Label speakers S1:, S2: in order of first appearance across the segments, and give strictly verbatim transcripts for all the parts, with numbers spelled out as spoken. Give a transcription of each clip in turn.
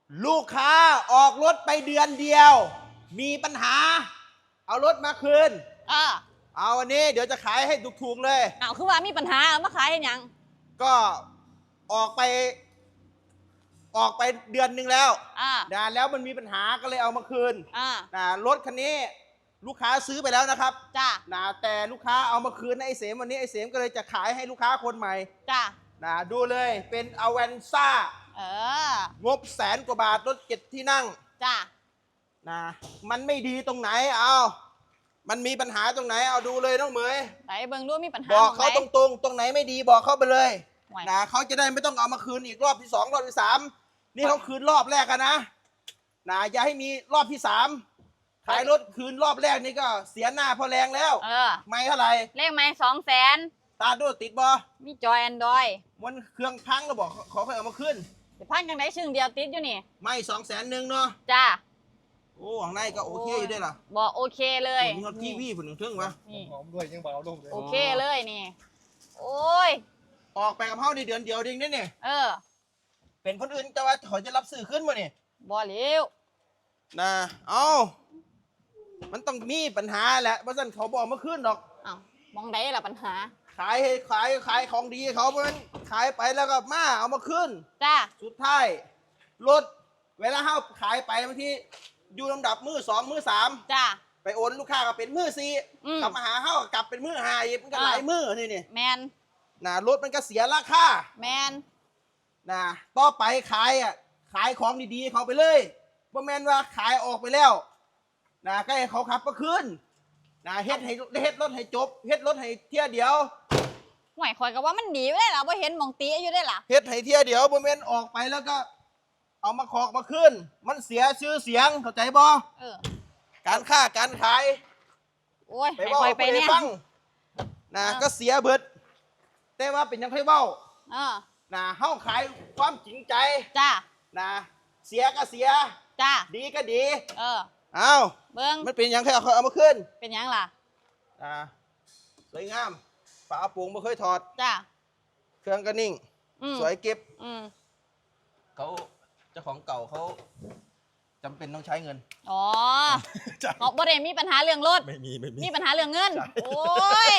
S1: ลูกค้าออกรถไปเดือนเดียว มีปัญหา เอารถมาคืน
S2: เออ
S1: เอาวันนี้เดี๋ยวจะขายให้ถูกๆเลย
S2: เอาคือว่ามีปัญหาเอามาขายให้หยัง
S1: ก็ออกไป ออกไปเดือนหนึ่งแล้ว
S2: อ่า
S1: นะแล้วมันมีปัญหาก็เลยเอามาคืน
S2: อ่า
S1: นะรถคันนี้ลูกค้าซื้อไปแล้วนะครับ
S2: จ้า
S1: นะแต่ลูกค้าเอามาคืนให้ไอ้เสมวันนี้ไอ้เสมก็เลยจะขายให้ลูกค้าคนใหม่
S2: จ้า
S1: นะดูเลยเป็นอเวนซ่า
S2: เออง
S1: บแสนกว่าบาทรถเจ็ดที่นั่ง
S2: จ้า
S1: นะมันไม่ดีตรงไหนเอามันมีปัญหาตรงไหนเอาดูเลยน้องเหมย
S2: ไหนเบิ่งดูมีปัญหา
S1: บอกเขาต
S2: ไหน
S1: รงๆตรงไหนไม่ดีบอกเขาไปเลย
S2: ไหว
S1: นะเขาจะได้ไม่ต้องเอามาคืนอีกรอบที่สองรอบที่สามนี่เขาคืนรอบแรกกันนะนะอย่าให้มีรอบที่สามขายรถคืนรอบแรกนี่ก็เสียหน้าพอแรงแล้ว
S2: เออ
S1: ไม่เท่าไหร่
S2: เลขไม่สองแสน
S1: ตาดูติดบอ
S2: มีจอยแอนดรอย
S1: มันเครื่องพังเราบอกขอค่อยเอามาขึ้น
S2: เดี๋ยวพันจังไดชึ่งเดียวติดอยู่นี่
S1: ไม่สองแสนหนึ่งเนาะ
S2: จ้า
S1: โอ้ข้างในก็โอเคอยู่ด้วยล่ะ
S2: บอกโอเคเลย
S1: มีรถทีวีผุนถึงวะ
S2: นี่
S3: หอมด้วยยังเบาลงเลย
S2: โอเคเลยนี่ โอ้ย
S1: ออกไปกับเขาในเดือนเดียวเองนี่เนี่ย
S2: เออ
S1: เป็นคนอื่นจะว่าเขาจะรับซื้อขึ้นมาเนี่ย
S2: บอเลี้ยว
S1: นะเอามันต้องมีปัญหาแหละเพราะฉะนั้นเขาบอกมาขึ้นหรอก
S2: อ้าวมองได้ละปัญหา
S1: ขายให้ขายขายของดีให้เขาเพราะฉะนั้นขายไปแล้วก็มาเอามาขึ้น
S2: จ้า
S1: สุดท้ายรถเวลาเขาขายไปบางทีอยู่ลำดับมือสองมือสาม
S2: จ้า
S1: ไปโอนลูกค้าก็เป็นมือสี่
S2: อืม
S1: กลับมาหาเขาก็กลับเป็นมือห้าอีกมันก็หลายมือนี่นี่
S2: แมน
S1: นะรถมันก็เสียราคา
S2: แมน
S1: นะต่อไปขายอ่ะขายของดีๆเขาไปเลยว่าแมนว่าขายออกไปแล้วนะก็ให้เขาขับมาคืนนะเฮ็ดให้เฮ็ดรถให้จบเฮ็ดรถให้เที่ยเดียว
S2: หวยคอยก็ว่ามันดีไม่ได้หรอว่าเห็นหมองตีอยู่ได้หรอ
S1: เฮ็ดให้เที่ยเดียวบ่แม่นออกไปแล้วก็ เอามาขอกมาคืนมันเสียชื่อเสียงเข้าใจบ่
S2: เออ
S1: การค้าการขาย
S2: โอ้ย
S1: ไป
S2: ให้
S1: เว้า
S2: คอยไป
S1: ไป
S2: เนี่ย
S1: ฟังนะ
S2: เออ
S1: ก็เสียเบิดแต่ว่าเป็นยังค่อยเว้า
S2: เออ
S1: นะเฮาขายความจริงใจ
S2: จ้า
S1: นะเสียก็เสีย
S2: จ้า
S1: ดีก็ดี
S2: เออ
S1: เอ้า
S2: เบิ้ง
S1: มันเป็นยังค่อยเอาเอามาคืน
S2: เป็นหยังล่ะ
S1: นะสวยงามฝาโปร่งบ่เคยถอด
S2: จ้า
S1: เครื่องก็นิ่ง
S2: อืม
S1: สวยเก็บ
S2: อืม
S1: เขาเจ้าของเก่าเขาจำเป็นต้องใช้เงิน
S2: อ๋อ
S1: ใช่
S2: เขาบ่ได้มีปัญหาเรื่องรถ
S1: ไม่มีไม่มี
S2: มีปัญหาเรื่องเงิน
S1: ใช่
S2: โอ้ย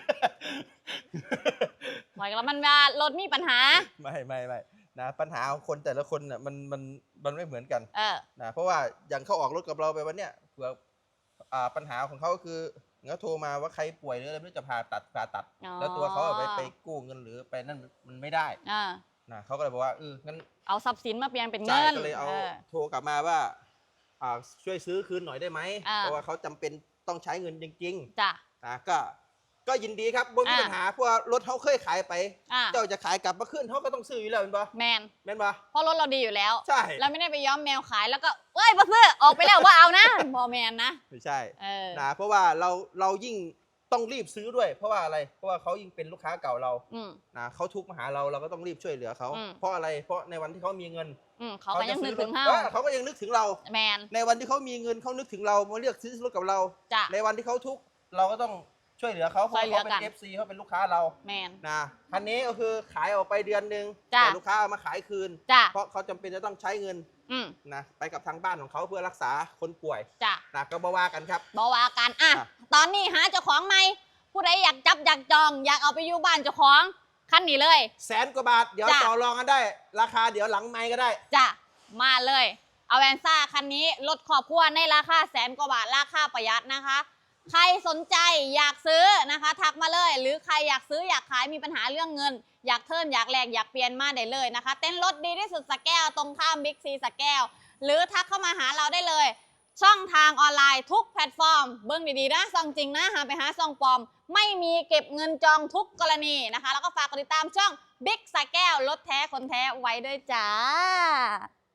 S2: หอยแล้วมันว่ารถมีปัญหา
S1: ไม่ไม่ไม่นะปัญหาของคนแต่ละคนน่ะมันมันมันไม่เหมือนกัน
S2: เออ
S1: นะเพราะว่าอย่างเขาออกรถกับเราไปวันเนี้ยเผื่ออ่าปัญหาของเขาก็คือเขาโทรมาว่าใครป่วยหรืออะไรไม่รู้จะผ่าตัดผ่าตัด
S2: อ๋อ
S1: แล้วตัวเขาอะไปไปกู้เงินหรือไปนั่นมันไม่ได้
S2: อ่า
S1: นะเขาก็เลยบอกว่าเอองั้น
S2: เอาทรัพย์สินมาเปลี่ยนเป็น
S1: ใช่
S2: เงิน
S1: ก็เลยเอา
S2: เออ
S1: โทรกลับมาว่าอ่าช่วยซื้อคืนหน่อยได้ไหม
S2: อ่า
S1: เพราะว่าเขาจำเป็นต้องใช้เงินจริง
S2: จ้ะ
S1: ๆนะก็ก็ยินดีครับบ่มี
S2: อ่า
S1: ปัญหาเพราะว่ารถเขาเคยขายไป
S2: อ่า
S1: เจ้าจะขายกลับมาขึ้นเขาก็ต้องซื้ออยู่แล้วเป็นปะ
S2: แมน
S1: เป็นปะ
S2: เพราะรถเราดีอยู่แล้ว
S1: ใช่
S2: เราไม่ได้ไปย้อมแมวขายแล้วก็เอ้ยบ่ซื้อออกไปแล้วว่าเอานะบอแมนนะ
S1: ไม่ใช่
S2: เออ
S1: นะเพราะว่าเราเรายิ่งต้องรีบซื้อด้วย เพราะว่าอะไร เพราะว่าเขายิ่งเป็นลูกค้าเก่าเรา
S2: อืม
S1: นะเขาทุกข์มาหาเราเราก็ต้องรีบช่วยเหลือเขา
S2: อืม
S1: เพราะอะไรเพราะในวันที่เขามีเงิน
S2: อืมเขาก็ยังนึกถึง
S1: เฮา
S2: เฮา
S1: เขาก็ยังนึกถึงเรา
S2: แมน
S1: ในวันที่เขามีเงินเขานึกถึงเรามาเลือกซื้อรถกับเรา
S2: จ้ะ
S1: ในวันที่เขาทุกข์เราก็ต้องช่วยเหลือเขาเพราะ
S2: ช่วยเหลื
S1: เขา
S2: อ
S1: เป็
S2: กัน
S1: น เอฟ ซี เขาเป็นลูกค้าเรา
S2: แมน
S1: นะคันนี้ก็คือขายออกไปเดือนหนึ่ง
S2: จ้ะ
S1: แต่ลูกค้าเอามาขายคืน
S2: จ้ะ
S1: เพราะเขาจำเป็นจะต้องใช้เงิน
S2: อืม
S1: นะไปกับทางบ้านของเขาเพื่อรักษาคนป่วย
S2: จ้ะ
S1: นะก็บ่ว่ากันครับ
S2: บอว่ากันอ่ะ
S1: อ่ะ
S2: ตอนนี้หาเจ้าของไหมผู้ใดอยากจับอยากจอง อยากเอาไปอยู่บ้านเจ้าของคันนี้เลย
S1: แสนกว่าบาทเดี๋ยว
S2: จ้ะ
S1: ต่อรองกันได้ ราคาเดี๋ยวหลังไมค์ก็ได้
S2: จ้ะมาเลยเอาแวนซ่าคันนี้รถครอบครัวในราคาแสนกว่าบาทราคาประหยัดนะคะ ใครสนใจอยากซื้อนะคะ ทักมาเลย หรือใครอยากซื้ออยากขายมีปัญหาเรื่องเงิน อยากเทิร์นอยากแลกอยากเปลี่ยนมาได้เลยนะคะ เต้นรถดีที่สุดสแก้วตรงข้ามบิ๊กซีสแก้วหรือทักเข้ามาหาเราได้เลย ช่องทางออนไลน์ทุกแพลตฟอร์ม เบิ้งดีๆนะซองจริงนะหาไปหาซองปลอม ไม่มีเก็บเงินจองทุกกรณีนะคะ แล้วก็ฝากกดติดตามช่องบิ๊กสแก้วรถแท้คนแท้ไว้ด้วยจ้า